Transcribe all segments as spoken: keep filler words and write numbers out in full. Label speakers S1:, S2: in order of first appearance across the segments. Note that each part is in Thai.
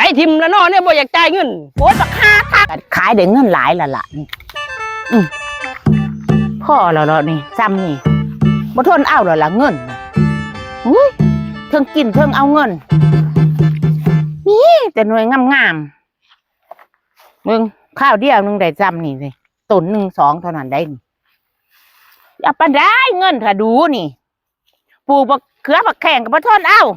S1: ทิมแล้วเนาะเนี่ยบ่อยากจ่ายเงิน
S2: โอ้ยบักค่าคักขายได้เงินหลายละล่ะนี่อืมพ่อแล้วเนาะนี่ซ้ำนี่บ่ทนเอาแล้วล่ะเงินอุ้ยเทิงกินเทิงเอาเงินนี่แต่หน่วยงามๆมึงข้าวเดียวนึงได้ซ้ำนี่สิตุนหนึ่งสองเท่านั้นได้นี่เอาปานได้เงินถ้าดูนี่ปลูกบักเขือบักแข่งกับบ่ทนเอา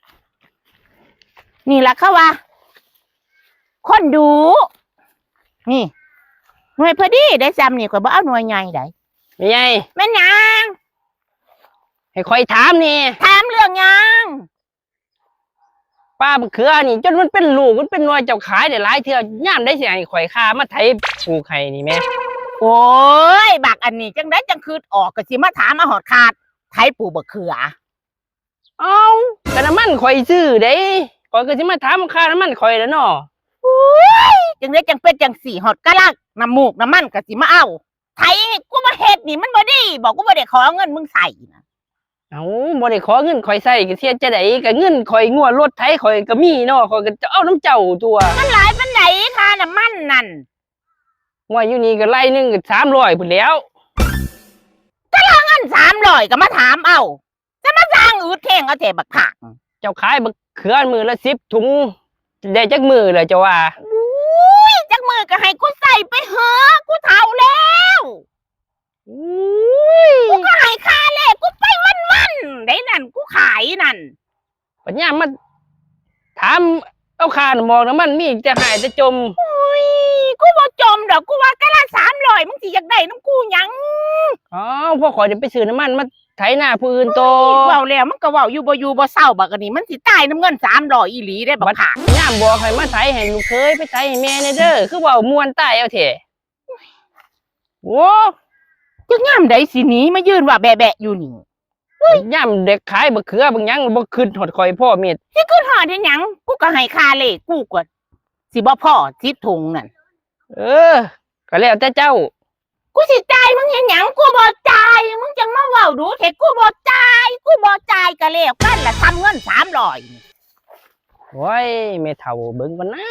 S2: นี่ล่ะเขาว่าคนดูนี่หน่วยพอดีได้ซ้ำนี่ข่อยบ่เอาหน่วยใหญ่ได้
S1: ไม่ใหญ่
S2: แม่นหยัง
S1: ให้คอยถามนี่
S2: ถามเรื่องหยัง
S1: ป้าบักเขือนี่จนมันเป็นลูกมันเป็นหน่วยเจ้าขายได้หลายเทื่อย่ามได้สิให้ข่อยค่ามาไถปลูกให้นี่แม่
S2: โอ้ยบักอันนี้จังได้จังคืดออกก็สิมาถามมาหอดขาดไถปลูกบักเขือ
S1: เอ้าก็น้ำมันข่อยซื้อเด้ข่อยก็สิมาถามค่าน้ำมันข่อยแล้วเนาะ
S2: โอ้ยจังได้จังเป็นจังสี่หอดกะลักน้ำมูกน้ำมันก็สิมาเอาไถกูมาเฮ็ดนี่มันบ่ดีบอกกูบ่ได้ขอเงินมึงใส่นะ
S1: เอ้าบ่ได้ขอเงินข่อยใส่ก็เสียจะได้ก็เงินข่อยงัวรถไถข่อยก็มีเนาะข่อยก็จะเอาน้ำเจ้าตัว
S2: มันหลายปานใดค่าน้ำมันนั่น
S1: ว่าอยู่นี่ก็ไล่นึงก็สามร้อยพุ่นแล้ว
S2: ถ้าเงินสามร้อยก็มาถามเอาจะมาสร้างอืดแข่งเอาแต่บักผัก
S1: เจ้าขายบักเขือมือละสิบถุงได้จักมือเลยเจ้าว่า
S2: อุ้ยจักมือก็ให้กูใส่ไปเหอะกูเฒ่าแล้วอุ้ยกูก็ให้ค่าแลกกูไปวันๆได้นั่นกูขายนั่น
S1: ปัญญามาถามเอาค่าน้ำมองน้ำมันมีจะหายจะจม
S2: อุ้ยกูบ่จมดอกกูว่ากะละสามร้อยมึงสิอยากได้น้ำกูหยัง
S1: อ๋อพ่อขอจะไปซื้อน้ำมันมาไถหน้าผู้อื่นโต
S2: เว้าแล้วมันก็เว้าอยู่บ่อยู่บ่เศร้าบักอันนี้มันสิตายน้ำเงินสามร้อยอีหลีได้บักผัก
S1: ย่ามบอกให้มาไถให้ลูกเคยไปไถให้แม่ในเด้อคือเว้ามวนตายเอาเถอะโว้
S2: จักย่ามใดสิหนีมายืนว่าแบะๆอยู่นี่
S1: ย่ามเด็กขายบักเขือบางหยังบ่ขึ้นหอดคอยพ่อเม็ด
S2: สิขึ้นหอดเฮ็ดหยังกูก็ให้ค่าเลขกูก็สิบ่พอสิบถุงนั่น
S1: เออก็แล้วแต่เจ้า
S2: กูสิจ่ายมึงเฮ็ดหยังกูบ่จ่ายมึงจังมาเว้าดูเฮ็ดกูบ่จ่ายกูบ่จ่ายก็แล้วกันล่ะทำเงินสามร้อย
S1: โอ้ยแม่เฒ่าเบิ่งบ่นะ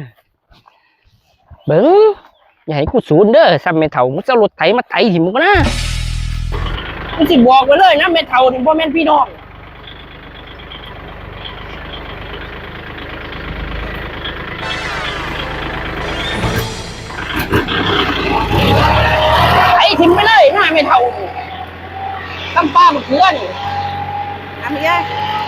S1: เบิ่งอย่าให้กูสูญเด้อซ้ำแม่เฒ่ามึงจะรถไถมาไถหิมึงบ่นะมึงสิบอกไว้เลยนะแม่เฒ่านี่บ่แม่นพี่น้องไถทิมไปเลยนะแม่เฒ่าตำป้าบักเขือนี่
S2: ทำยัง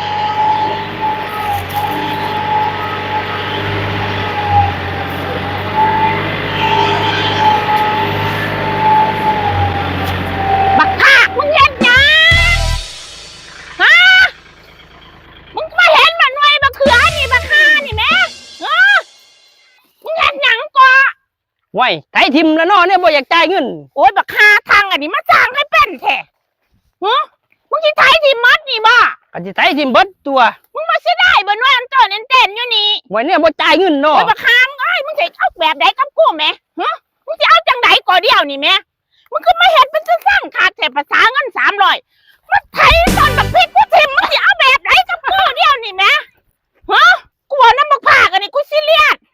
S2: บักภาคมึงเห็นยังฮะมึงมาเห็นมันหน่วยบักเขือนี่บักฆ่านี่แม่ฮะมึงเห็นยังก่อ
S1: ไว้ไถทิมแล้วเนาะเนี่ยบ่อยากจ่ายเงิน
S2: โอ้ยบักฆ่าทางอันนี้มาสร้างให้เป็นแท้ฮะมึงสิไถทิมมัดนี่บ่
S1: ก็สิไถทิมเบิดตัว
S2: มึงมาสิได้บ่หน่วยอันโตเน้นๆอยู่นี่
S1: ไว้เนี่ยบ่จ่ายเงินเนาะ
S2: โอ้ยบักฆ่ามึงเอ้ยมึงสิเอาแบบใดกับกูแม่ฮะมึงสิเอาจังไดก่อเดียวนี่แม่มึงก็มาเฮ็ดเป็นสร้างขาดแต่ภาษาเงินสามร้อยมันไถตอนบักพริกกูทิมมึงสิเอาแบบไหนกับกูเดียวนี่แม่ฮะกูว่าน้ำบักผากอันนี้กูซีเรียส